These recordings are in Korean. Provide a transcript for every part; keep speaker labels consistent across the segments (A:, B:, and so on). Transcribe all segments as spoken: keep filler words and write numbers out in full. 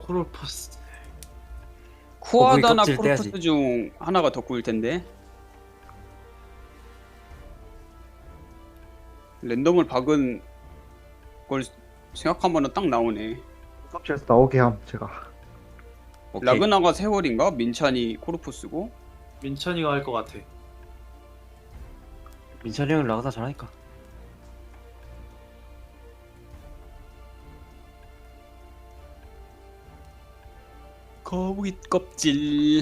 A: 코롤포스.
B: 쿠아다나
C: 껍질
B: 코르푸스
C: 떼야지.
B: 중 하나가 더 구일 텐데. 랜덤을 박은 걸 생각하면은 딱 나오네.
D: 섭취해서 나오게 함 제가.
C: 오케이.
B: 라그나가 세월인가? 민찬이 코르푸스고.
A: 민찬이가 할 것 같아.
C: 민찬이 형은 라그나 잘하니까.
B: 거북이 껍질.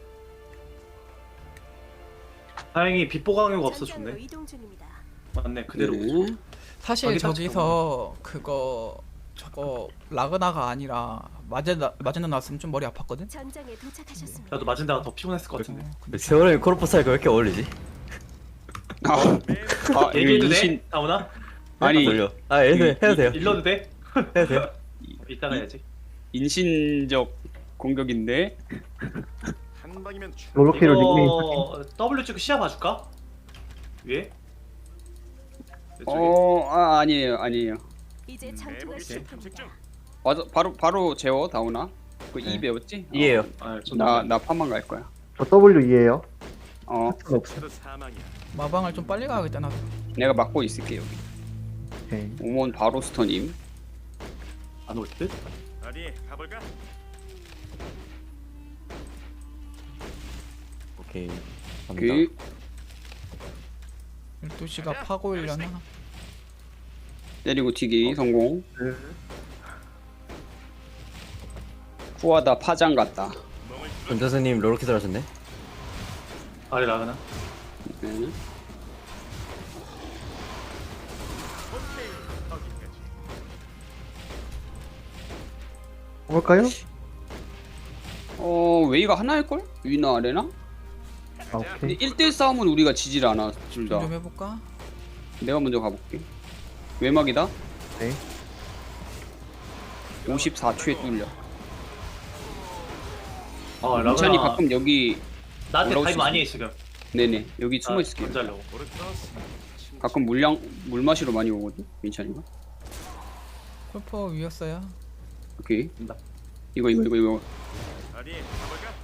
A: 다행히 빛보강요가 없어
E: 전장으로
A: 좋네.
E: 이동 중입니다.
A: 맞네 그대로.
B: 네.
F: 사실
A: 거기
F: 저기서 그거 저거 라그나가 아니라 마제나 마제나 나왔으면 좀 머리 아팠거든.
E: 전장에 도착하셨습니다.
A: 나도 맞은 데가 더 피곤했을 것 같은데.
F: 어, 근데
C: 세월이 코르포스 하니까 왜 이렇게 어울리지?
B: 아, 아 이거
A: 얘기해도
B: 인신
A: 돼? 다오나?
B: 아니
C: 돌려. 아 해도 돼, 해도 돼요.
A: 일러도 돼?
C: 해도 돼요.
A: 이따가 해야지.
B: 인신적 공격인데.
G: 한 방이면 충-
D: 롤러키로 닉네임
A: 이거 W 찍고 시야 봐줄까? 위에? 이쪽에?
B: 어, 아 아니에요, 아니에요.
E: 이제
A: 음,
E: 전투가
G: 내복이 탐색
E: 시작됩니다.
G: 중.
B: 맞아, 바로 바로 재워 다오나. 그
C: 네.
B: 이 배웠지?
C: 이해요.
A: 아, 좀
B: 나나 파만 갈 거야.
D: 저 W2에요.
B: 어,
D: 없어.
G: 저도 사망이야.
F: 마방을 좀 빨리 가야겠다 나도.
B: 내가 막고 있을게 여기.
D: 오케이.
B: 오몬 바로 스터님.
A: 안올 듯?
G: 어디 가볼까?
C: 오케이.
B: 그
C: 갑니다.
F: 열두 시가 파고일려나?
B: 때리고 튀기 성공.
D: 네.
B: 후하다 파장 같다.
C: 권자수님 롤러키 잘하셨네.
A: 아래 나가나?
B: 네.
G: 거기까지.
D: 볼까요?
B: 어 웨이가 하나일 걸? 위나 아래나?
D: 아
B: 근데
D: 오케이.
B: 일 대 일 싸움은 우리가 지질 않아 둘 다.
F: 좀 해볼까?
B: 내가 먼저 가볼게. 외막이다.
D: 네.
B: 오십사 초에 뚫려.
A: 어
B: 민찬이
A: 라그나
B: 가끔 여기
A: 나한테
B: 올라올
A: 가입
B: 수
A: 많이 해
B: 있어.
A: 지금.
B: 네네 여기 숨어 있을게요.
A: 먼저 하려고.
G: 오르크로스.
B: 가끔 물량 물 마시러 많이 오거든 민찬이가.
F: 콜퍼 위였어요.
B: 오케이.
A: 된다.
B: 이거 이거 이거 이거.
G: 어디 가볼까?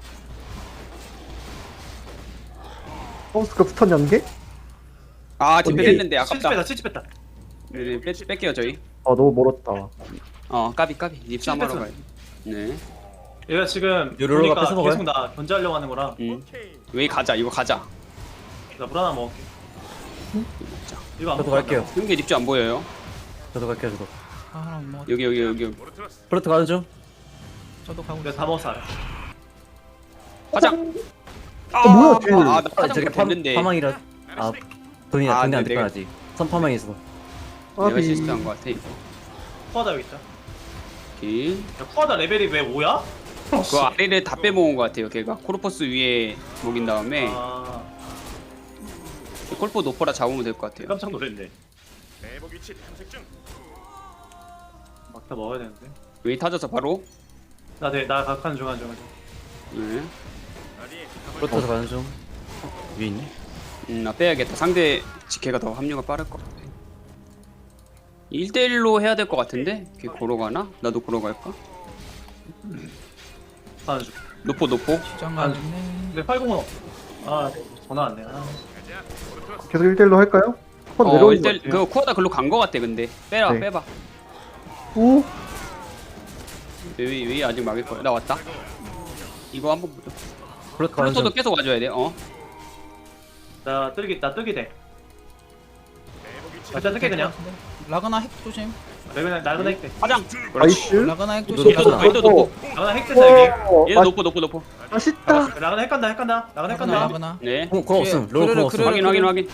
D: 하우스컵 스턴 연계?
B: 아 뒷배했는데
A: 칠십
B: 아깝다.
A: 뺐다 칠십 뺐다.
B: 네네 뺄, 뺄게요 저희.
D: 아 너무 멀었다.
B: 어 까비 까비 립삼하러
A: 뺐어.
B: 가요. 네.
A: 얘가 지금
C: 요로로가
A: 보니까
C: 뺏어 먹어요?
A: 계속 나 견제하려고 하는 거라
B: 음.
G: 오케이.
B: 웨이 가자 이거 가자.
A: 나 물 하나 먹을게.
B: 먹자.
A: 이거 안
C: 저도
A: 먹고
C: 갈게요.
B: 형계 립주 안 보여요?
C: 저도 갈게요. 저도.
F: 아 하나 못 먹었다.
B: 여기 여기 여기.
G: 오르크로스.
C: 프로트 가는 중.
F: 저도 가고
A: 내가
F: 있어.
A: 다 먹었어 알아.
B: 파장. 아
D: 뭐야, 쟤.
B: 아나
C: 아,
B: 파장
C: 저게 파,
B: 됐는데.
C: 파망이라. 아 돈이
B: 아,
C: 돈이 안
B: 네,
C: 됐구나
B: 내가-
C: 아직. 선파망이 있어.
B: 내가
D: 아비.
B: 실수한 것 같아 이거.
A: 쿠아다 여기 있다.
B: 오케이.
A: 야 쿠아다 레벨이 왜 오야?
B: 그 아래를 다 빼먹은 것 같아요. 걔가 코르퍼스 위에 먹인 다음에
A: 아
B: 콜포 노포라 잡으면 될 것 같아요.
A: 깜짝 놀랐네.
G: 내복 위치 탐색 중.
A: 막다 먹어야 되는데.
B: 웨이 타져서 바로.
A: 나나 각하는 중 하는 중. 하는 중.
B: 네.
G: 어디 가볼까?
C: 프로트 가는 중. 위에 있네.
B: 음, 나 빼야겠다. 상대 지케가 더 합류가 빠를 것 같아. 일 대 일로 해야 될 것 같은데? 걔 고로 가나? 나도 고로 갈까?
A: 하는 중.
B: 노포 노포.
F: 시장 가겠네.
A: 근데 팔공은 아 전화 왔네. 아.
G: 가자. 오르크로스.
D: 계속 일 대 일로 할까요? 한
B: 어,
D: 내려오는
B: 일 대 일.
D: 것 같아요.
B: 그 쿠아다 글로 간 것 같아. 근데 빼라
D: 네.
B: 빼봐.
D: 오.
B: 웨이 웨이 아직 막을 거야. 나 왔다. 이거 한번 보자.
C: 프로트 가는 중.
B: 플루토도 계속 와줘야 돼. 어.
A: 나 뜨기 나 뜨기 돼.
G: 내복 위치.
A: 일단 뜨게 그냥.
F: 라그나 핵 조심.
A: 레벨 낡은 핵 돼.
B: 화장.
D: 나이스.
F: 라그나 핵
C: 이거
F: 조심.
B: 얘도 노포 얘도 노포.
A: 라그나 핵 된다 여기.
D: 오.
B: 얘도
D: 아,
B: 노포 노포 노포.
D: 맛있다.
A: 라그나 핵 간다 핵 간다. 라그나 핵
F: 라그나
A: 간다.
F: 라그나.
B: 네.
C: 공, 공 없음. 롤
F: 그래,
C: 공 없음.
F: 그래,
B: 확인 확인 확인.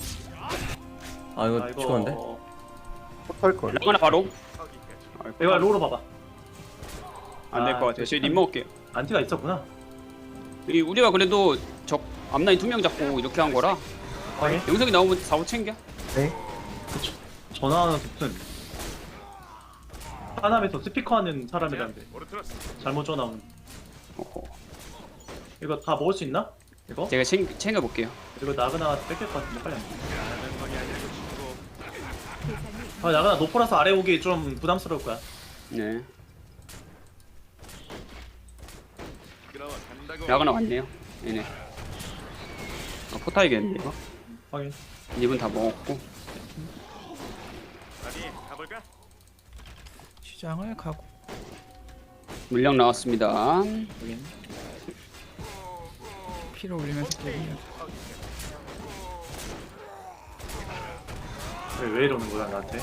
C: 아 이거 죽었는데.
D: 할 걸.
B: 라거나 바로.
G: 거기까지.
A: 이거 로로 봐봐.
B: 안 될 것 같아요. 저희 립 먹을게요.
A: 안티가 있었구나.
B: 이 우리가 그래도 적 앞라인 두 명 잡고 이렇게 한 거라
A: 확인.
B: 영석이 나오면 사고 챙겨.
D: 네.
A: 전화하는 무슨 하남에서 스피커하는 사람이란데
G: 오르크로스.
A: 잘못 전화 오면
B: 어허.
A: 이거 다 먹을 수 있나? 이거?
B: 제가 챙, 챙겨볼게요.
A: 이거 나그나 뺏길 것 같은데 빨리 안 돼.
G: 가는 방이 아니고 죽고.
E: 대상이
A: 아 나그나 노포라서 아래 오기 좀 부담스러울 거야.
B: 네.
G: 끌어간다고.
B: 라그나 왔네요. 얘네. 아, 포타이겠네 이거.
A: 확인.
B: 입은 다 먹었고.
G: 어디 가볼까?
F: 시장을 가고.
B: 물량 나왔습니다.
A: 확인.
F: 피를 올리면서 게임을.
A: 왜, 왜 이러는 거야 나한테?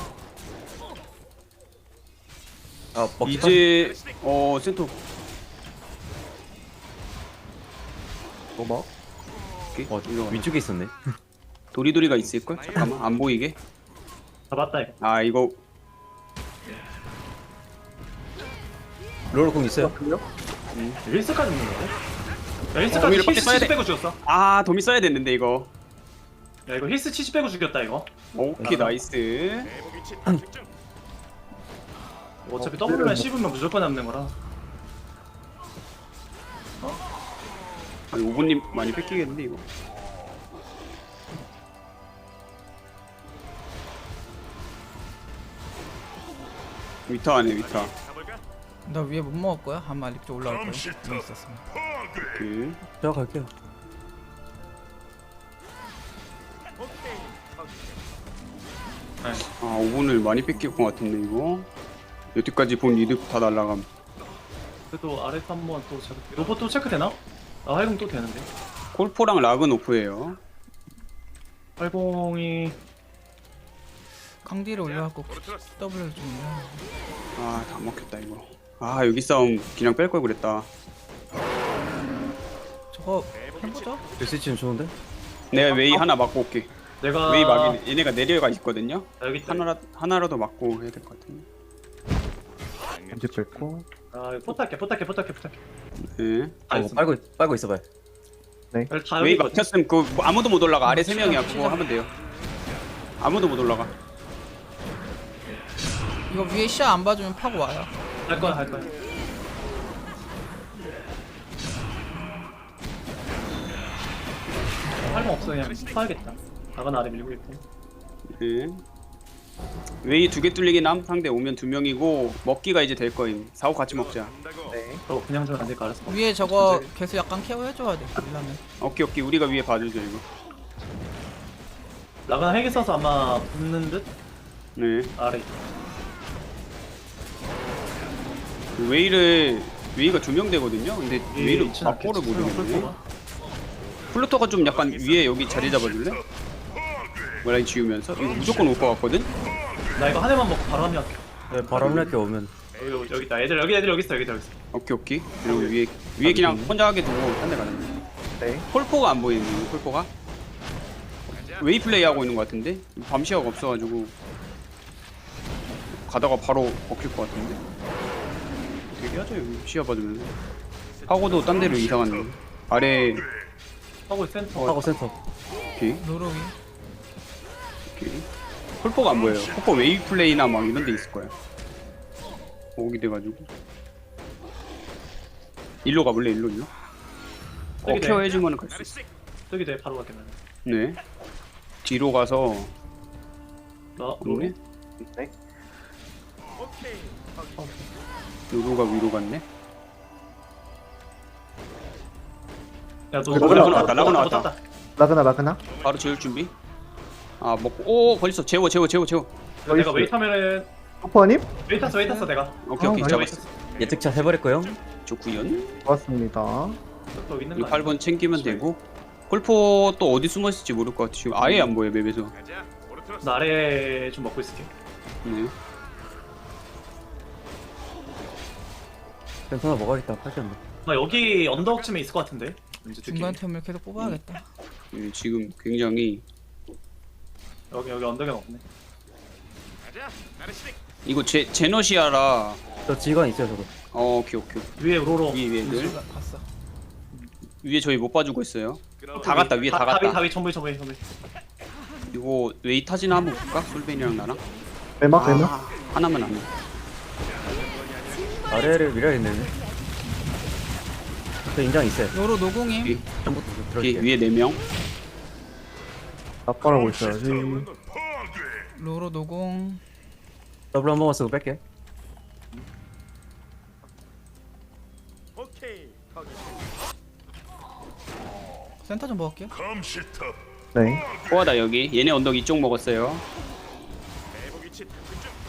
C: 아 먹기
B: 이제 어 센터
D: 뭐 막?
C: 어 위쪽에 있었네.
B: 도리도리가 있을 걸? 잠깐만 안 보이게.
A: 잡았다 이거.
B: 아 이거
C: 롤러 공 있어요?
D: 그래요?
A: 힐스까지 있는 거야? 야
B: 어,
A: 힐스까지
B: 오히려 빨리
A: 힐스
B: 써야
A: 칠십
B: 돼.
A: 빼고 죽였어.
B: 아 도미 써야 됐는데 이거.
A: 야 이거 힐스 칠십 빼고 죽였다 이거.
B: 오케이 나이스.
G: 내복 위치 탐색 중.
A: 어차피
D: 어,
A: W만
D: 뭐-
A: 씹으면 무조건 남는 거라.
B: 아니 오분님 많이 뺏기겠는데 이거. 위타 안에 위타.
G: 가볼까?
F: 나 위에 못 먹을 거야? 한 마리 쪽 올라올 거야. 위에 있었으면.
B: 오케이.
C: 제가 갈게요.
B: 아 오분을 많이 뺏길 것 같은데 이거. 여태까지 본 이득 다 날라감.
A: 그래도 아래 한번 또 체크. 로봇 또 체크 되나? 아 활공 또 되는데.
B: 콜포랑 락은 오프예요.
A: 활공이
F: 강디를 올려갖고
G: 오르트러스.
F: W를 좀 올려.
B: 아 다 먹혔다 이거. 아 여기 싸움 그냥 뺄 걸 그랬다.
F: 저거 해보자.
C: 스위치는 좋은데?
B: 내가 웨이 하나 맞고 올게.
A: 내가
B: 웨이 막이 얘네가 내려가 있거든요.
A: 아, 여기 있다.
B: 하나라 하나라도 맞고 해야 될 것 같은데.
D: 이제 뺐고.
A: 아 이거 포탈게 포탈게 포탈게 포탈게.
B: 네.
A: 다
C: 아 이거
A: 있어.
C: 빨고 빨고 있어봐요.
A: 여기 다
B: 웨이
A: 여기
B: 막혔으면 그 뭐 아무도 못 올라가. 아래 세 명이야. 그거 하면 돼요. 아무도 못 올라가.
F: 이거 위에 시야 안 봐주면 파고 와요.
A: 할 거야 할 거야. 활공 없어 그냥 파야겠다. 나가 아래 밀고 있고.
B: 네. 웨이 두 개 뚫리긴 함. 상대 오면 두 명이고 먹기가 이제 될 거임. 사고 같이 먹자.
G: 간다고.
D: 네.
A: 저 그냥 좀 안 될까 알았어.
F: 위에 저거 계속 약간 케어 해줘야 돼. 이러면.
B: 오케이 오케이 우리가 위에 봐주죠 이거.
A: 나가 핵이 써서 아마 붙는 듯
B: 네.
A: 아래.
B: 그 웨이를 웨이가 두 명 되거든요. 근데 웨이를 막고를 모르겠네. 플루터가 좀 약간 위에 여기 자리 잡아줄래? 라인 지우면서 이거 무조건 올 것 같거든?
A: 나 이거 한 해만 먹고 바로 합류할게.
C: 네, 바로 합류할게 오면.
A: 여기 여기, 여기 있다. 애들 여기 애들 여기 있어 여기 있어 여기 있어.
B: 오케이 오케이 그리고 위에 위에 그냥 혼자 하게 두고 딴 데 가는
D: 네.
B: 콜포가 안 보이네 콜포가 웨이 플레이 하고 있는 것 같은데 밤시야가 없어가지고 가다가 바로 먹힐 것 같은데 얘기하죠 여기 시야 봐주면 하고도 딴 데로 이상하네 아래
A: 하고 센터.
C: 하고 센터.
B: 오케이
F: 로로 위.
B: 오케이 콜포가 안 보여요 콜포 웨이 플레이나 막 이런 데 있을 거야 오기 돼가지고 일로 가볼래 일로 일로 어
A: 저기
B: 케어
A: 네.
B: 해주면 갈 수 있어
A: 저기 돼 바로 갈게 나는.
B: 네 뒤로 가서
A: 나
B: 없네
A: 로리.
G: 오케이.
B: 루루가 위로 갔네
A: 야너
D: 라그나
B: 왔다, 라그나 왔다.
D: 라그나 라그나.
B: 바로 재울 준비 아 먹고 오 걸렸어 재워 재워 재워 재워
A: 내가
D: 나이스.
A: 웨이트 하면은
D: 오퍼님?
A: 웨이트 탔어 웨이트 탔어 내가.
B: 오케이 오케이
D: 아,
B: 잡았어
C: 예측차 해버릴 거요.
B: 좋구연
D: 고맙습니다.
A: 또 있는
B: 이
A: 거
B: 팔 번 챙기면 되고 콜포 또 어디 숨어 있을지 모를 것 같아 지금 아예 안 보여 맵에서
G: 가자. 오르트러스.
A: 나 아래 좀 먹고 있을게.
B: 네
C: 센터 하나 먹어야겠다. 팔겠네.
A: 나 여기 언덕쯤에 있을 것 같은데. 왠지 느낌이.
F: 중간 템을 계속 뽑아야겠다.
B: 네, 지금 굉장히
A: 여기 여기 언덕에 없네.
G: 가자. 나르시빅.
B: 이거 제 제너시아라
C: 저 지휘관 있어요 저거.
B: 어 오케이 오케이
A: 위에 로로.
B: 위에 위에 늘
F: 가- 갔어.
B: 위에 저희 못 봐주고 있어요
G: 끌어.
B: 다 갔다 위에 다
A: 다위
B: 갔다
A: 다위 전부 전부 전부.
B: 이거 웨이 타지나 한번 볼까? 솔벤이랑 나랑
D: 매막 매막.
B: 아, 하나만 안해
C: 아래를 밀어야겠네. 저 인장 있어요.
F: 로로 노공임.
B: 위,
C: 전부터
B: 위,
C: 들어올게요.
B: 위에 네명
D: 아빠라고 있어야지.
F: 로로 노공.
C: 더블 한 번만 쓰고 뺄게요.
G: 오케이. 거기
F: 센터 좀 먹을게요.
D: 네.
B: 코아다 여기. 얘네 언덕 이쪽 먹었어요.
G: 매복 위치 탐색 중.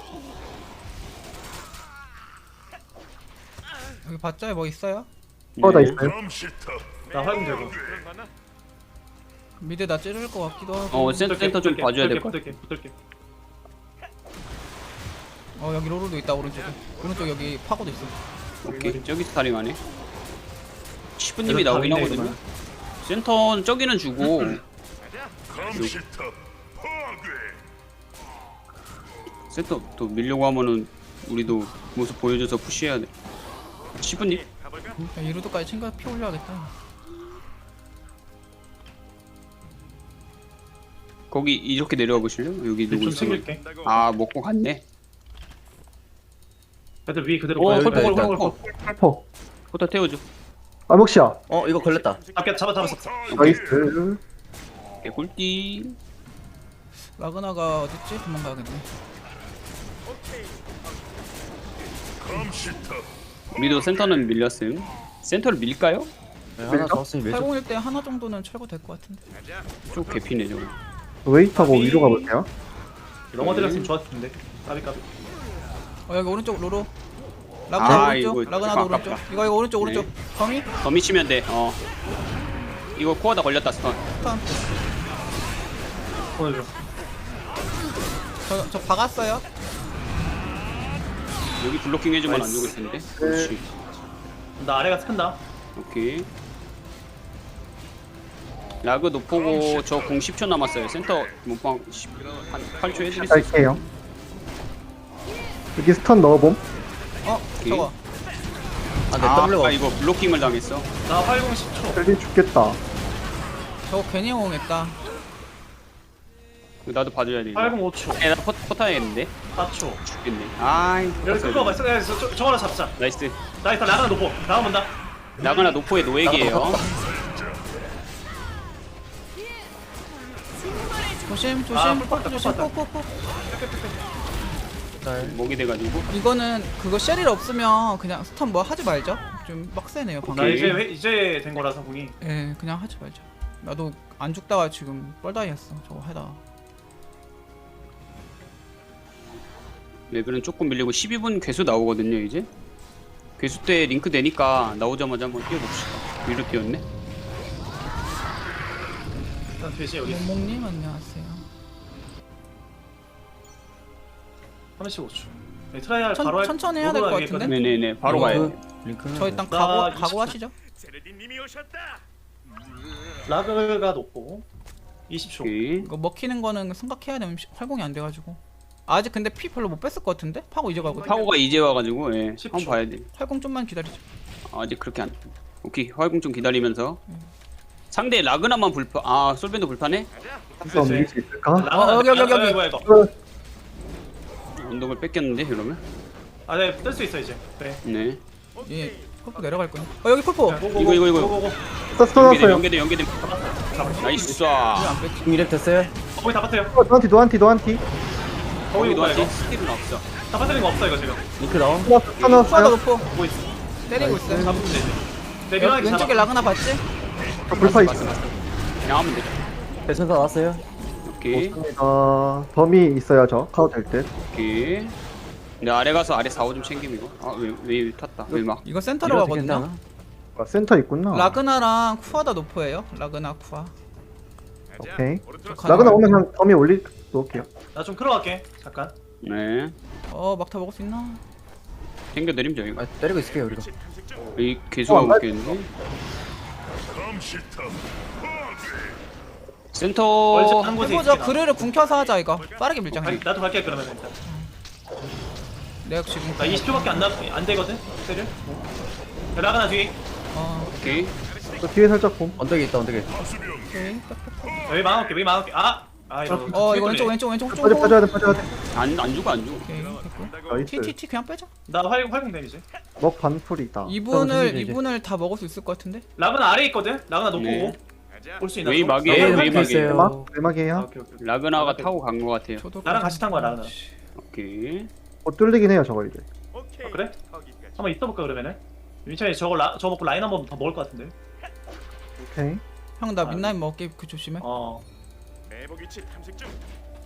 F: 여기 받자에 뭐 있어요?
D: 코어다
B: 네.
D: 있어요.
A: 나 활공 들고.
G: 그런 거나?
F: 미드 나 찌를 것 같기도 하고.
B: 어 센, 센터 좀
A: 붙을게,
B: 봐줘야 될 것 같아.
A: 붙을게 붙을게.
F: 어 여기 로로도 있다 오른쪽에. 오른쪽 여기 파고도 있어.
B: 오케이. 저기서 타링하네. 시프님이
A: 그래도
B: 나오긴
A: 답이네,
B: 하거든요.
A: 이거는.
B: 센터는 저기는 주고 센터 또 밀려고 하면은 우리도 모습 보여줘서 푸시해야 돼. 시프님
G: 가볼까?
F: 야, 이루도까지 챙겨 피 올려야겠다.
B: 거기 이렇게 내려와 보실래요? 여기 누구
A: 좀
B: 있어?
A: 챙길게.
B: 아 먹고 갔네.
A: 애들 위 그대로.
B: 오,
A: 가요.
B: 홀po,
A: 홀po,
B: 홀po,
A: 홀po,
B: 홀po.
A: 홀po.
D: 헬퍼.
B: 포터 태워줘.
D: 아목시야.
C: 어 이거 걸렸다.
A: 잡게 잡아 잡았어.
D: 나이스.
B: 개꿀띠.
F: 라그나가 어딨지? 도망가야겠네.
B: 우리도 센터는 밀렸음. 센터를 밀까요?
C: 네, 하나 잡았으니 밀죠.
F: 팔공일 때 하나 정도는 철거될 것 같은데.
G: 가자.
B: 좀 개피네 저거.
D: 웨이트하고 위로 가볼게요.
A: 넘어들었으면 좋았을 텐데. 까비 까비.
F: 어 여기 오른쪽 로로. 라그나
B: 아,
F: 오른쪽.
B: 이거
F: 라그나도
B: 아깝다.
F: 오른쪽. 이거 이거 오른쪽 오른쪽.
B: 네.
F: 거미?
B: 더 미치면 돼. 어. 이거 코어다 걸렸다 스턴.
F: 턴.
A: 보여줘.
F: 저, 저 박았어요.
B: 여기 블로킹 해주면 안 죽을 텐데. 그렇지.
A: 나 아래가 큰다.
B: 오케이. 라그 노포고 저 공 십 초 남았어요. 센터 몸빵 한 팔 초 해드릴 수 있어.
D: 갈게요. 여기 스턴 넣어봄.
F: 어
B: 오케이.
F: 저거.
C: 아내
B: 아,
C: W가
B: 아 이거 블로킹을 당했어.
A: 나 활공 십 초.
D: 벨리 죽겠다.
F: 저거 괜히 호응했다.
B: 나도 봐줘야 돼. 이거.
A: 활공 오 초.
B: 에, 나 포, 포타야겠는데?
A: 사 초.
B: 죽겠네. 아이.
A: 여기 끌고 와봐. 저, 저, 저, 저거나 잡자.
B: 나이스.
A: 나 일단 나가나 놓고. 나가 본다.
B: 라그나 노포의 노액이에요.
F: 조심 조심.
A: 아,
F: 포크
A: 뽑았다,
F: 조심.
A: 뽑았다.
F: 포크 포크.
B: 목이 돼가지고.
F: 이거는 그거 쉘일 없으면 그냥 스턴 뭐 하지 말죠. 좀 빡세네요 방금.
A: 나
B: 오케이.
A: 이제 회- 이제 된 거라서 공이.
F: 예, 그냥 하지 말자. 나도 안 죽다가 지금 뻘다이 했어. 저거 하다.
B: 레벨은 조금 밀리고 십이 분 괴수 나오거든요 이제. 괴수 때 링크 되니까 나오자마자 한번 뛰어봅시다. 위로 뛰었네.
A: 일단 돼지 여기 있어.
F: 몽몽님 안녕하세요.
A: 삼십오 초. 네, 트라이얼
F: 천-
A: 바로 할-
F: 천천히 해야 될것
A: 로그가
F: 같은데?
A: 얘기했거든.
B: 네네네. 바로
F: 이거
B: 가요.
C: 링크는
F: 저 일단
A: 나
F: 각오
A: 이십
F: 각오 하시죠.
G: 제레디님이 오셨다.
A: 라그가 높고 이십 초.
B: 오케이.
F: 이거 먹히는 거는 생각해야 되면 시- 활공이 안 돼가지고. 아직 근데 피 별로 못 뺐을 것 같은데? 파고 이제 가거든.
B: 파고가 이제 와가지고 예.
A: 십
B: 한번
A: 초.
B: 봐야 돼.
F: 활공 좀만 기다리자.
B: 아직 그렇게 안. 오케이. 활공 좀 기다리면서. 상대 라그나만 불파. 아 솔벤도 불파네.
D: 한번 밀릴 수 있을까?
A: 라그나
F: 어, 여기, 여기, 여기.
A: 뭐야 이거?
D: 어,
B: 언덕을 뺏겼는데 이러면.
A: 아, 네, 뜰 수 있어 이제. 네.
B: 네.
F: 예, 풀포 내려갈 거야. 어 여기 풀포.
A: 자, 고고고,
B: 이거, 이거, 이거.
A: 고고고.
D: 스턴
B: 연계돼
D: 넣었어요.
B: 연계돼 연계돼. 나이스.
F: 왜안 뺐지?
C: 이랩 됐어요?
A: 거기 다 빠뜨려.
D: 어, 노한티 노한티 노한티.
A: 거기
B: 거기도
A: 뭐야 이거?
B: 아직 스킬은 없어.
A: 다 빠뜨린 거 없어 이거 지금.
C: 링크 나옴?
D: 스턴
F: 후아가
D: 넣었어요.
F: 높고
A: 보고 있어.
F: 때리고 있어요.
A: 잡으면 되지. 네,
F: 여-
A: 밀어내기
F: 왼쪽에
A: 잡아.
F: 라그나 봤지?
D: 저 불파 있어.
B: 그냥 하면 되죠.
C: 배선사 나왔어요?
B: 오케이.
D: 어, 범위 있어요 저. 카우 될 듯.
B: 오케이. 근데 아래 가서 아래 사오 좀 챙김 이거. 아왜왜 탔다. 왜 막.
F: 이거 센터로
C: 이래도
F: 가거든요.
C: 괜찮아?
D: 아, 센터 있구나.
F: 라그나랑 쿠아다 노포예요. 라그나 쿠아.
G: 가자.
D: 오케이.
G: 오르트로스.
D: 라그나 오면 그냥 범위 올리 놓을게요.
A: 나좀 끌어갈게. 잠깐.
B: 네.
F: 어 막타 먹을 수 있나?
B: 챙겨드림 저희가.
C: 아 때리고 있을게요 우리가.
G: 위치 탐색 중.
B: 이 개수가
D: 어,
B: 먹겠는데. 센터.
A: 얼른 한 곳에
F: 해보자.
A: 있지.
F: 그르를 궁켜서 하자 이거. 빠르게 밀자.
A: 갈-
F: 그냥.
A: 나도 갈게 그러면 일단.
F: 내가 지금
A: 나 이십 초밖에 안, 나, 안 되거든? 세를? 라가나 뒤.
F: 어
B: 오케이.
D: 저 뒤에 살짝 봄.
C: 언덕에 있다 언덕에.
F: 오케이.
A: 여기 막아올게, 여기 막아올게. 아! 아, 이거.
F: 어
A: 뒤에
F: 이거 왼쪽
A: 뚫리네.
F: 왼쪽 왼쪽 쪽.
D: 빠져 빠져야 돼 빠져야 돼.
B: 안 안 죽어 안 죽어.
F: 오케이 됐고.
D: 나이스.
F: 티티티 그냥 빼자.
A: 나 활, 활공 데미지.
D: 먹 반풀이다.
F: 이분을
C: 이제, 이제.
F: 이분을 다 먹을 수 있을 것 같은데?
A: 라가나 아래 있거든? 라가나 높고.
B: 네.
G: 가자.
A: 올 수 있나?
B: 웨이
A: 좀?
B: 막이에요,
C: 예,
B: 웨이
C: 링크
B: 막이에요.
C: 있어요.
D: 대막
A: 아,
D: 대막이에요.
A: 오케이, 오케이.
B: 라그나가 타고 간 것 같아요.
F: 저도
A: 나랑 같이 탄 거야, 라그나.
B: 오케이.
D: 못 뚫리긴 해요 저거 이제.
G: 오케이.
A: 아, 그래?
G: 거기까지.
A: 한번 있어볼까, 그러면은? 민찬이 저거 라, 저거 먹고 라인 한번 더 먹을 것 같은데.
D: 오케이.
F: 형 나 민나잇 먹게 그 조심해.
A: 어.
G: 매복 위치 탐색 중.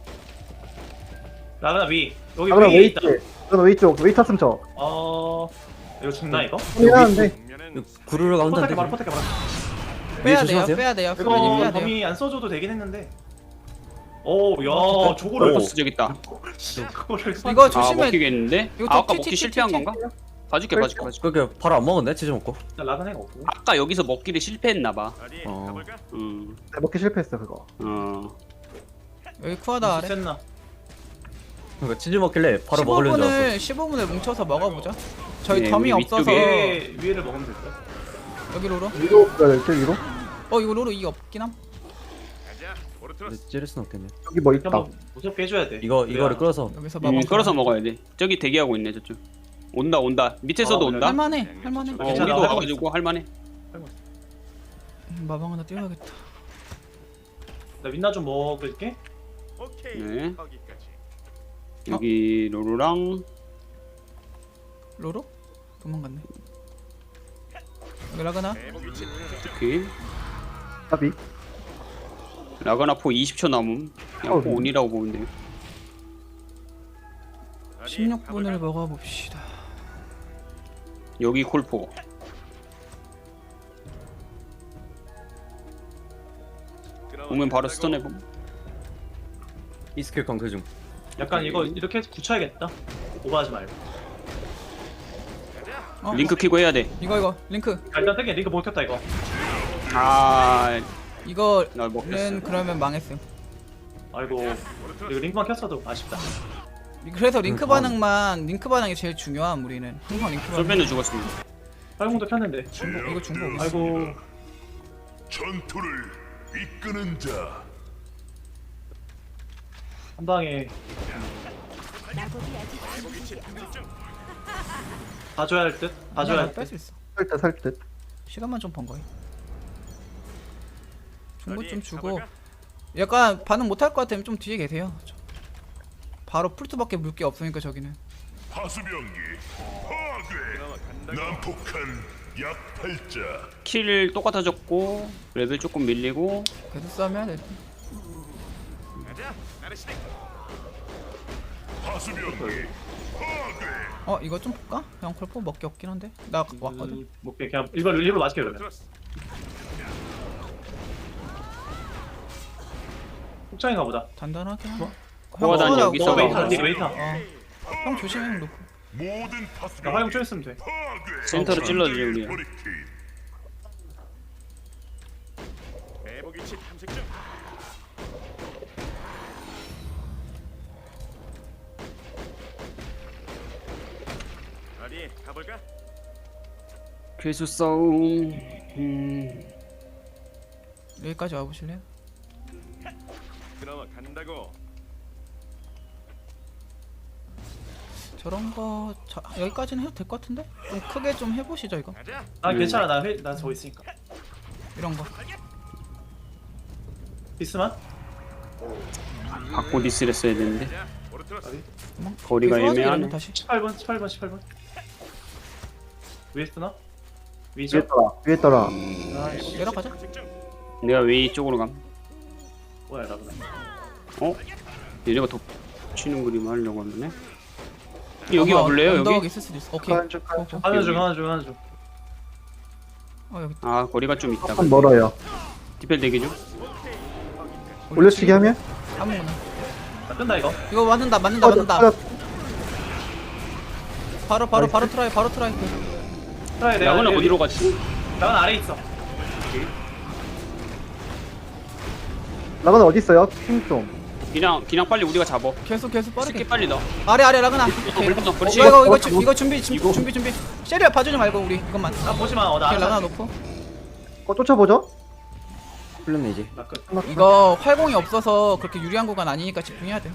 A: 라그나 위. 여기
D: 아 그럼
A: 위에
D: 웨이트.
A: 있다.
D: 그럼 웨이트 쪽. 웨이트 탔으면 저.
A: 어. 이거 죽나 이거?
D: 미안한데.
G: 국면은
C: 구르르가 혼자
A: 포탈게
C: 안
A: 말아
C: 되지.
A: 포탈게 말아.
F: 빼야 돼요.
C: 조심하세요.
F: 빼야 돼요.
A: 이거
F: 빼야 돼요.
A: 범위 안 써줘도 되긴 했는데. 오, 야,
B: 오,
A: 저거를
B: 버스 저기 있다.
A: 그거를 써.
F: 이거
B: 아
F: 조심해.
B: 먹히겠는데?
F: 이거
B: 아, 아까
F: 티-
B: 먹기
F: 티-
B: 실패한
F: 티-
B: 건가? 봐줄게 봐줄게 봐줄게.
C: 그렇게 바로 안 먹었네 치즈 먹고.
A: 라그나가 없고.
B: 아까 여기서 먹기를 실패했나봐.
G: 어디
C: 어.
G: 가볼까?
B: 음,
D: 네, 먹기 실패했어 그거.
B: 어.
F: 여기 쿠아다 아래.
A: 셌나?
C: 그러니까 치즈 먹길래 바로 먹으려는 줄 알았어.
F: 십오 분을 십오 분을 뭉쳐서 먹어보자. 저희
B: 네,
F: 덤이
B: 우리
F: 없어서
B: 위쪽에.
A: 위에 위에를 먹으면 될 거야.
F: 여기 로로.
D: 위로 가야 될때 위로?
F: 어 이거 로로 이게 없긴 함.
G: 가자.
C: 근데
G: 오르트로스.
C: 찌를 순 없겠네.
D: 여기 뭐
A: 이렇게
D: 있다.
A: 한번 무섭게 해줘야 돼.
C: 이거 이거를
A: 그래야-
C: 끌어서
F: 여기서
B: 음,
F: 먹어.
B: 끌어서 먹어야 돼. 저기 대기하고 있네 저쪽. 온다 온다. 밑에서도
A: 어,
B: 온다.
F: 할만해. 할만해.
B: 어,
A: 괜찮아,
B: 우리도
A: 하고
B: 와가지고 할만해.
F: 음, 마방 하나 띄워야겠다.
A: 나 민나 좀 먹을게.
G: 오케이.
B: 네.
G: 거기까지.
B: 여기 로로랑
F: 로로? 도망갔네. 여기 라그나.
G: 매복 위치 탐색 중.
B: 오케이.
D: 답이.
B: 라가나 포 이십 초 남음. 그냥
D: 어,
B: 포 온이라고 보면 돼요.
G: 어디
F: 십육 분을
G: 가볼까?
F: 먹어봅시다.
B: 여기 콜포. 오면 바로 스턴 해봄.
C: 이 스킬 강퇴 중.
A: 약간 이거 이렇게 해서 굳혀야겠다. 오버하지 말고.
F: 어?
B: 링크 키고 해야 돼.
F: 이거 이거 링크.
A: 아, 일단 땡겨. 니가 먹혔다 이거.
B: 아,
F: 이거는
B: 나 먹혔어.
F: 그러면 망했음.
A: 아이고. 이거 링크만 켰어도 아쉽다.
F: 그래서 링크
C: 음,
F: 반응만 링크 반응이 제일 중요함 우리는. 항상 링크 반응.
B: 솔벤은 죽었습니다.
A: 활공도 켰는데.
F: 중복 이거 중복.
A: 아이고.
E: 전투를 이끄는 자
A: 한 방에
G: 매복 위치 탐색 중.
A: 봐줘야 할 듯. 봐줘야 할 듯.
F: 뺄수 있어.
D: 살때 살 듯.
F: 시간만 좀 번 거야. 중복 좀
G: 어디
F: 주고
G: 가볼까?
F: 약간 반응 못할 것 같으면 좀 뒤에 계세요. 저- 바로 풀트밖에 물 게 없으니까 저기는.
E: 하수병기 파괴
G: 그나마 간다고.
E: 난폭한 약팔자
B: 킬 똑같아졌고 레벨 조금 밀리고
F: 계속 싸움해야 돼.
G: 가자. 나르시네.
E: 하수병기 파괴
F: 어 이거 좀 볼까? 그냥 콜포 먹기 없긴 한데 나 왔거든.
A: 음, 뭐 그냥 일부러 일부러 맞게 그러면.
G: 오르트로스.
A: 폭장인가 보다.
F: 단단하게. 하-
B: 호화단
F: 형
B: 여기서
F: 쏘라고.
A: 웨이터
B: 먹어.
A: 니 웨이터.
F: 어. 형 조심해 형 놓고.
E: 모든
A: 나
E: 하수병기
A: 활용 좀 했으면 돼.
E: 파괴
B: 센터로 찔러주지 우리.
E: 버리기
G: 매복 위치 탐색 중. 어디 가볼까?
B: 괴수 싸움. 음,
F: 여기까지 와보실래요?
G: 그나마 간다고.
F: 저런 거 자, 여기까지는 해도 될 것 같은데? 좀 크게 좀 해보시죠 이거.
G: 가자.
A: 아
B: 음.
A: 괜찮아. 나 회, 나 저거 있으니까.
F: 이런 거.
A: 비스만?
B: 바꿔 디스를 써야 되는데
G: 가자. 오르트로스.
B: 거리가
F: 계속 하자,
B: 애매하네.
F: 이러면 다시.
A: 십팔 번, 십팔 번, 십팔 번. 위에 쓰나? 위죠?
D: 위에 떠라. 위에 떠라.
A: 아이씨.
F: 내려가자.
G: 탐색 중.
B: 내가 웨이 쪽으로 감.
A: 뭐야 라그나.
B: 어? 얘네가 덮치는 그림 하려고 하네. 여기
F: 아마
B: 와볼래요
F: 언덕
B: 여기?
F: 있을 수도 있어. 오케이.
D: 가는 중, 가는 중.
A: 하나 중, 하나 중, 하나 중.
F: 어 여기.
B: 아 거리가 좀 있다.
D: 조금 멀어요.
B: 디펠 대기 중.
D: 올려치기 하면?
F: 아무거나.
A: 나 뜬다 이거.
F: 이거 맞는다 맞는다
D: 맞아,
F: 맞는다.
D: 맞아.
F: 바로 바로
D: 나이스.
F: 바로 트라이 바로 트라이.
A: 트라이 내가.
B: 야구는
A: 여기-
B: 어디로 갔지?
A: 야구는 아래 있어.
D: 라건 어디 있어요? 핑 좀.
B: 그냥 그냥 빨리 우리가 잡어.
F: 계속 계속 빠르게.
B: 스킵 빨리 넣어.
F: 아래 아래 라그나. 오케이.
B: 물건 넣어.
F: 어,
B: 그렇지.
F: 이거 이거 이거,
D: 어,
F: 준- 이거 준비 준비
B: 이거.
F: 준비 준비. 쉐리야 봐주지 말고 우리 이것만.
A: 나 보지 마. 어, 나
F: 오케이
A: 알아서
F: 라그나
A: 할게.
F: 놓고.
D: 어, 쫓아보죠?
C: 풀렸네 이제.
A: 나 끝.
F: 이거 활공이 없어서 그렇게 유리한 구간 아니니까 집중해야 돼.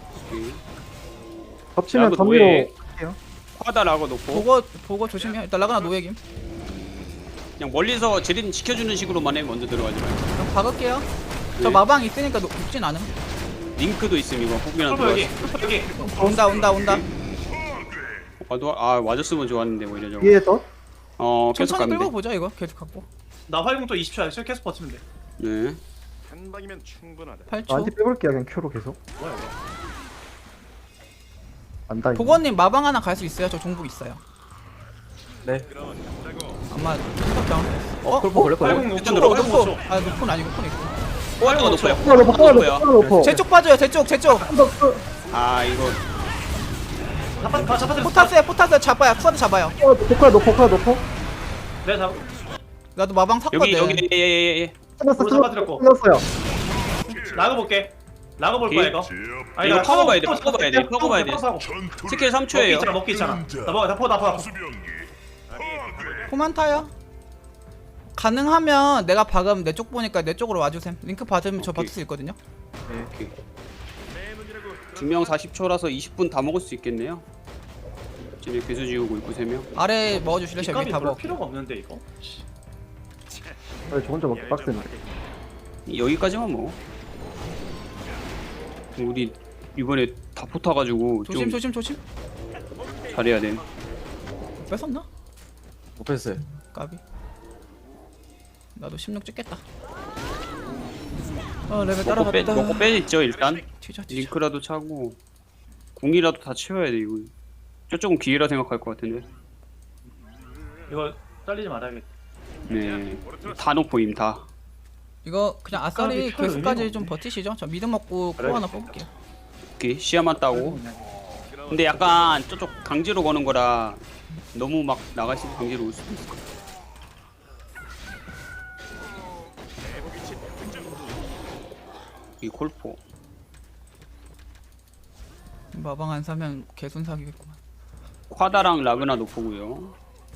D: 덮치면
B: 라고
D: 덤으로
B: 노예.
D: 할게요.
B: 화다라고 놓고
F: 보고 보고 조심해. 일단 라그나 노예김.
B: 그냥 멀리서 제린 지켜주는 식으로만 해. 먼저 들어가지 말고.
F: 그럼 박을게요. 저
B: 네.
F: 마방 있으니까 녹- 녹진 않음.
B: 링크도 있음 이거. 혹이랑
A: 콜보 여기.
B: 들어가서.
A: 콜보 여기.
F: 온다 온다 온다.
B: 와도 아 맞았으면 좋았는데 뭐 이래 저거.
D: 위에 더?
B: 어 계속
F: 천천히
B: 가면
F: 끌고
B: 돼.
F: 보자 이거 계속 갖고.
A: 나 활공 또 이십 초야. 계속 버티면 돼.
B: 네.
G: 한 방이면 충분하다.
F: 팔 초.
D: 나한테 빼볼게요 그냥 큐로 계속.
A: 뭐야 이거?
D: 안다.
F: 보건님 마방 하나 갈 수 있어요? 저 종북 있어요.
G: 그럼 간다고.
F: 아마 생각도 안 했어. 어?
C: 골프 걸릴 거예요.
A: 활공 오 초.
B: 일단
F: 노포
A: 활공 오 초.
F: 노포. 아 노포는 아니고 노포는 있고.
B: 호화도가 높아요.
D: 하나 높어 하나 높어 하나 높어.
F: 제 쪽 빠져요. 제 쪽, 제 쪽.
B: 아 이거
A: 잡아 가 잡아.
F: 포타스에 포타스 잡아요. 쿠아드 잡아요.
D: 포카 높어 포카 높어.
A: 내가 잡.
F: 나도 마방 샀거든.
B: 여기 여기 예예예.
D: 끝났어
A: 오른 잡아드렸고.
D: 끝났어요.
A: 라그 볼게. 라그 볼 거야 이거.
B: 아, 이거 파고 봐야 돼, 파고 봐야 돼, 파고 봐야 돼.
E: 전투를
B: 스킬 삼
A: 먹기
B: 초예요.
A: 있잖아 먹기 있잖아. 나 먹어 나 포, 나 포, 나 포.
E: 하수병기 파괴.
F: 포만 타요. 가능하면 내가 방금 내 쪽 보니까 내 쪽으로 와주셈. 링크 받으면 저
B: 오케이.
F: 버틸 수 있거든요.
B: 오케이.
G: 내 눈이라고.
B: 두 명 사십 초라서 이십 분 다 먹을 수 있겠네요. 쟤네 괴수 지우고 있고 세 명.
F: 아래 먹어주실래? 저
A: 값이
F: 위다
A: 별로
F: 먹.
A: 필요가 없는데 이거.
D: 아니 저 혼자 먹기 빡세네.
B: 여기까지만 먹어. 우리 이번에 다 포타가지고
F: 조심
B: 좀
F: 조심 조심.
B: 잘해야 돼.
F: 뺏었나?
C: 못 뺐어요.
F: 까비. 나도 십육 찍겠다. 어 레벨
B: 먹고 빼
F: 따라갔다.
B: 먹고 빼있죠 일단.
F: 튀자 튀자.
B: 링크라도 차고 궁이라도 다 채워야 돼 이거. 저쪽은 기회라 생각할 것 같은데.
A: 이거 잘리지 말아야겠다.
B: 네. 다 놓고임 다.
F: 이거 그냥 아싸리
A: 값이 별
F: 괴수까지
A: 의미가
F: 좀
A: 없네.
F: 버티시죠. 저 미드 먹고
A: 그래.
F: 코 하나 뽑을게요.
B: 오케이 시야만 따고. 근데 약간 저쪽 강제로 거는 거라 너무 막 나가시 강제로 올 수도 있을 것 같아.
G: 매복 위치 탐색 중.
B: 이 콜포.
F: 마방 안 사면 개손 사기겠구만.
B: 콰다랑 라그나 노포고요.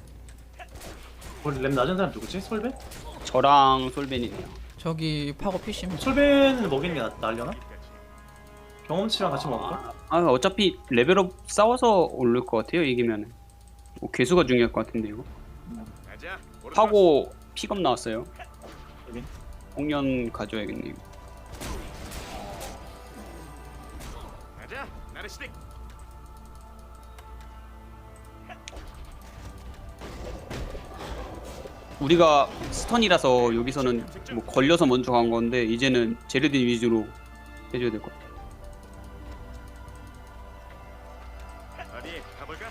A: 원래 랩 낮은 사람 누구지? 솔벤?
B: 저랑 솔벤이네요.
F: 저기 파고 피시면
A: 솔벤을 먹이는 게 나, 나려나? 경험치랑 같이 먹을까?
B: 아 어차피 레벨업 싸워서 오를 것 같아요 이기면은. 뭐 개수가 중요할 것 같은데 이거.
G: 가자. 오르트러스.
B: 하고 픽업 나왔어요.
A: 여기?
B: 홍련 가져야겠네. 이거.
G: 가자. 나르시딕.
B: 우리가 스턴이라서 여기서는 뭐 걸려서 먼저 간 건데 이제는 제르딘 위주로 해줘야 될 것 같아.
G: 어디 가볼까?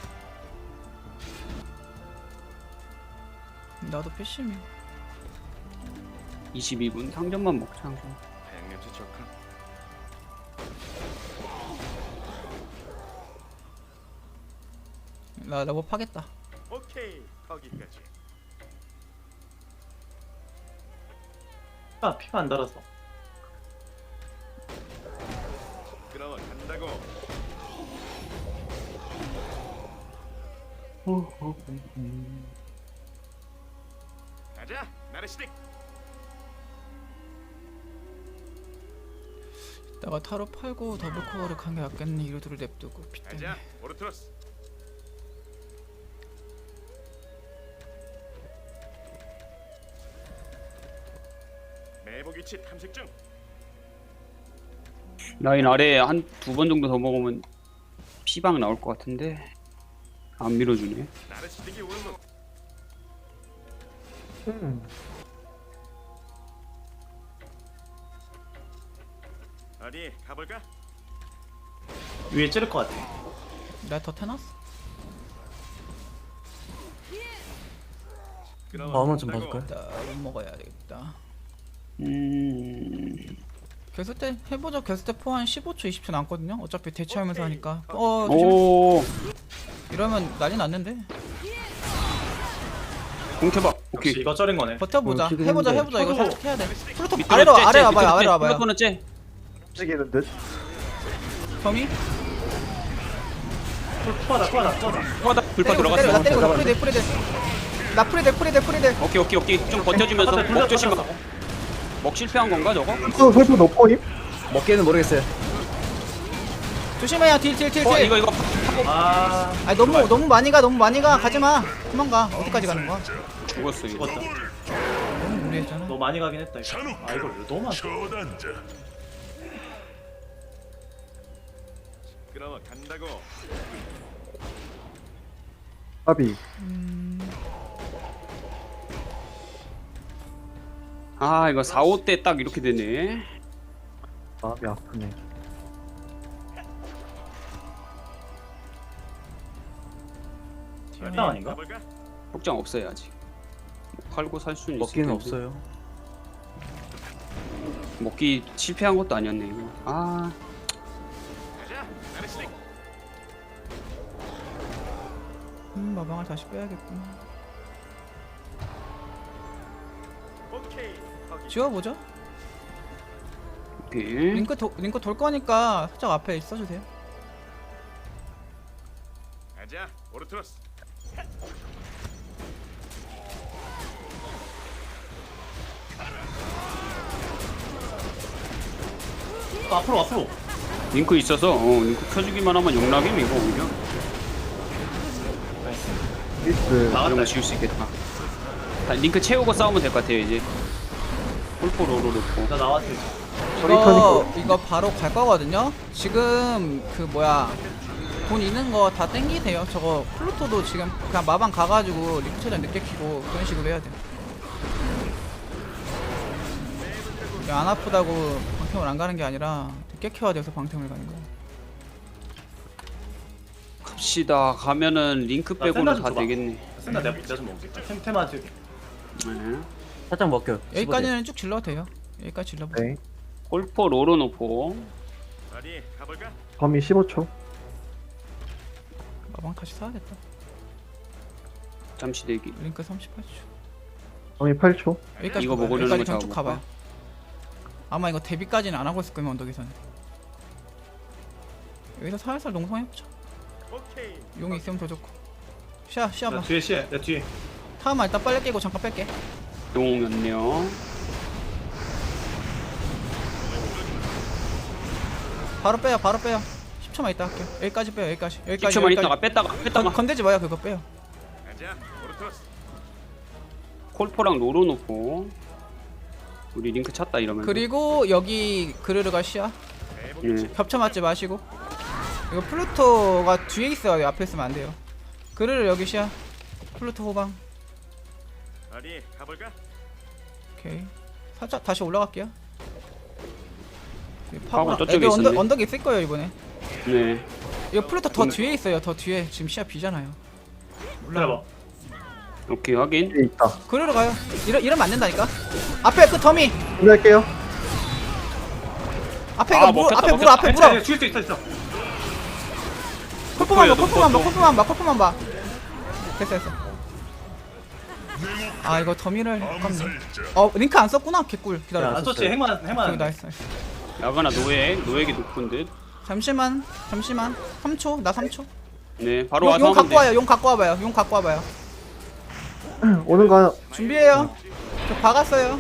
F: 나도 피시면.
B: 이십이 분 상점만 먹자. 상점.
G: 향냄새 좋군.
F: 나 나뭐 파겠다.
G: 오케이. 거기까지.
A: 아 피가 안 달아서.
G: 그럼 간다고. 가자. 나르시딕.
F: 내가 타로 팔고 더블 코어를 간 게 낫겠네. 이루드를 냅두고 피 때문에.
G: 가자. 오르트러스. 매복 위치 탐색 중.
B: 라인 아래 한 두 번 정도 더 먹으면 피방 나올 것 같은데 안 밀어주네.
G: 나르시딕이 오는 것.
D: 음.
G: 어디 가볼까?
A: 위에 찌를 것 같아.
F: 내가 더 태놨어.
G: 그럼
C: 다음은 좀
G: 간다고.
C: 봐줄까요?
F: 일단 먹어야 되겠다.
B: 음.
F: 괴수 때 해보자. 괴수 때 포한 십오 초 이십 초 남거든요. 어차피 대치하면서 하니까. 어 조심.
B: 오.
F: 이러면 난리 났는데.
B: 공켜봐.
A: 역시
B: 오케이.
A: 이거 쩔인 거네.
F: 버텨보자.
D: 어, 지금
F: 해보자
D: 했는데.
F: 해보자. 이거
A: 저도-
F: 살짝 해야 돼. 플루토
B: 밑으로
F: 아래로
B: 째, 째,
F: 아래 와봐요.
B: 밑으로
F: 아래로
B: 째.
F: 와봐요.
B: 플루토는 째.
D: 움직이는 듯.
F: 범이
A: 투하다 투하다 투하다.
B: 쿼다 불파
F: 때리고 있어, 때리고
B: 들어갔어.
F: 나 때리고 나 프리데 프리데. 나 프리데 프리데 프리데.
B: 오케이 오케이 오케이 좀 버텨주면서
A: 둘다
B: 먹 조심.
A: 터졌어.
B: 먹 실패한 건가 저거?
D: 또 솔프 높어임?
C: 먹기는 모르겠어요.
F: 조심해요. 딜 딜 딜
B: 어
F: 딜.
B: 이거 이거
A: 아
F: 아니 너무 너무 많이 가 너무 많이 가. 가지 마. 도망가. 어디까지 가는 거야?
B: 죽었어 이거.
A: 죽었다.
F: 너무 무리했잖아.
A: 너 많이 가긴 했다 이거.
E: 잔혹
A: 아 이거 너무 많다.
E: 처단자
G: 그럼 간다고.
D: 아비.
B: 아 이거 사, 오 때 딱 이렇게 되네.
D: 마음이 아프네.
A: 일당 아닌가?
G: 가볼까?
B: 복장 없어요 아직. 뭐 팔고 살 수는 있을
C: 먹기는
B: 텐데.
C: 없어요.
B: 먹기 실패한 것도 아니었네 이거. 아
G: 가자. 아르스닉.
F: 음 마방을 다시 빼야겠구나.
G: 오케이. 거기.
F: 지워보죠.
B: 오케이.
F: 링크 도, 링크 돌 거니까 살짝 앞에 있어주세요.
G: 가자. 오르트로스.
A: 어, 앞으로 앞으로.
B: 링크 있어서 어 링크 켜주기만 하면 용락임 이거 오히려.
D: 미스.
B: 이런
A: 나갔다.
B: 거 지울 수 있겠다. 다 링크 채우고 싸우면 될 것 같아요 이제. 폴포 로로 놓고.
A: 나 나왔어.
F: 이거 이거 바로 갈 거거든요. 지금 그 뭐야 돈 있는 거 다 땡기세요. 저거 플루토도 지금 그냥 마방 가가지고 링크 최대한 늦게 키고 그런 식으로 해야 돼. 이게 안 아프다고 방템을 안 가는 게 아니라 늦게 켜야 돼서 방템을 가는 거야.
B: 갑시다. 가면은 링크
A: 나
B: 빼고는
A: 샌드 좀
B: 다
A: 줘봐.
B: 되겠네.
A: 센나 내가 내가 좀 먹을게. 템 테마 지금.
B: 네.
C: 살짝 먹겨.
F: 여기까지는 쭉 질러도 돼요. 여기까지 질러보.
D: 네.
B: 폴포 로로 놓고.
G: 어디 가볼까?
D: 범위 십오 초.
F: 마방 다시 사야겠다.
B: 잠시 대기.
F: 링크 삼십팔 초.
D: 범위 팔 초.
F: 여기까지
B: 이거
F: 가봐요.
B: 먹으려는
F: 여기까지
B: 거
F: 그냥 쭉
B: 잡아볼까?
F: 가봐요. 아마 이거 데뷔까지는 안 하고 있을 거면 언덕에서는. 여기서 살살 농성해보자.
G: 오케이.
F: 용이 있으면 더 좋고. 시야 시야
A: 나
F: 봐.
A: 뒤에 시에 내 뒤에.
F: 타만 일단 빨리 깨고 잠깐 뺄게.
B: 용이었네요.
F: 바로 빼요 바로 빼요. 십 초만 있다 할게요. 여기까지 빼요 여기까지. 여기까지
B: 십 초만
F: 여기까지.
B: 있다가 뺐다가 뺐다가
F: 건, 건들지 마요 그거 빼요.
G: 가자. 오르트로스.
B: 콜포랑 로로 놓고. 우리 링크 찼다 이러면.
F: 그리고 여기 그르르가 시야.
B: 네.
F: 겹쳐 맞지 마시고. 이거 플루토가 뒤에 있어요. 여기 앞에 있으면 안 돼요. 그르르 여기 시야. 플루토 호방.
G: 어디 가볼까?
F: 오케이. 살짝 다시 올라갈게요.
B: 파고
F: 파고
B: 저쪽에
F: 애들 언덕,
B: 있었네.
F: 언덕에 있을 거예요 이번에.
B: 네.
F: 이거 플루토 더
B: 오늘-
F: 뒤에 있어요. 더 뒤에 지금 시야 비잖아요.
A: 기다려봐.
B: 오케이 확인.
D: 뒤에 있다.
F: 그르르 가요. 이러 이러면 안 된다니까. 앞에 그 더미.
D: 준비할게요.
F: 앞에
B: 아,
F: 이거 물
B: 먹혔다,
F: 앞에 물
B: 먹혔다.
F: 앞에 물어.
A: 줄수 있어 있어.
F: 콜프만 봐,
B: 놓고
F: 콜프만 봐,
B: 또.
F: 콜프만 봐, 콜프만 봐. 됐어, 됐어. 아 이거 더미를 아깝네. 어 링크 안 썼구나. 개꿀. 기다려.
A: 안 썼지. 핵만
F: 오케이,
A: 핵만.
F: 나이스, 나이스.
B: 야가나 노예 노예기 높은 듯.
F: 잠시만, 잠시만. 삼 초, 나 삼 초.
B: 네 바로
F: 용,
B: 와서
F: 용
B: 하면
F: 갖고
B: 돼.
F: 와요. 용 갖고 와봐요. 용 갖고 와봐요.
D: 오는 거
F: 준비해요. 저 박았어요.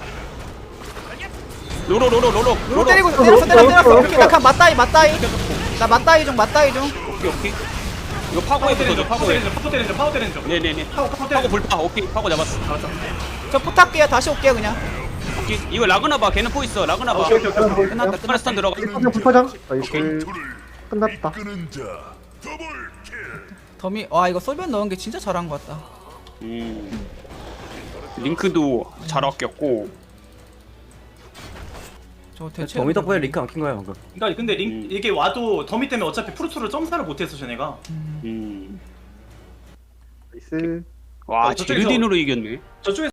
B: 로로 로로 로로
F: 로 때리고 때렸어, 때렸어, 때렸어. 오케이, 나 그냥 맞다이, 맞다이. 나 맞다이 중, 맞다이 중.
B: 오케이 오케이. 이거
A: 파워
B: 파고해
A: 때리는
B: 보죠
A: 중. 파워
B: 파고해.
A: 때리는 중. 파워 때리는 중. 파워 때리는 중.
B: 네네네.
A: 파워 파워
B: 파고
A: 때리는 중.
B: 불파. 오케이 파고 잡았어.
A: 알았어.
F: 저 포탑게요. 다시 올게요, 그냥.
B: 오케이 이거 라그나 봐. 걔는 포 있어. 라그나 봐.
A: 오케이 오케이 오케이.
F: 끝났다,
B: 스타스
F: 끝났다.
B: 탄 들어가.
D: 불파장 불파장. 나이스. 끝났다.
F: 더미, 와 이거 소변 넣은 게 진짜 잘한 것 같다.
B: 음. 링크도 잘 아꼈고.
F: 저 대체.
C: 정미 덕분에 링크 안 킨 거야 방금.
A: 그러니까 근데 링
B: 음.
A: 이게 와도 더미 때문에 어차피 프루트를 점사를 못했어 쟤네가.
B: 음.
D: 나이스.
B: 와
A: 어, 저쪽에서-
B: 제르딘으로 이겼네.
A: 저쪽에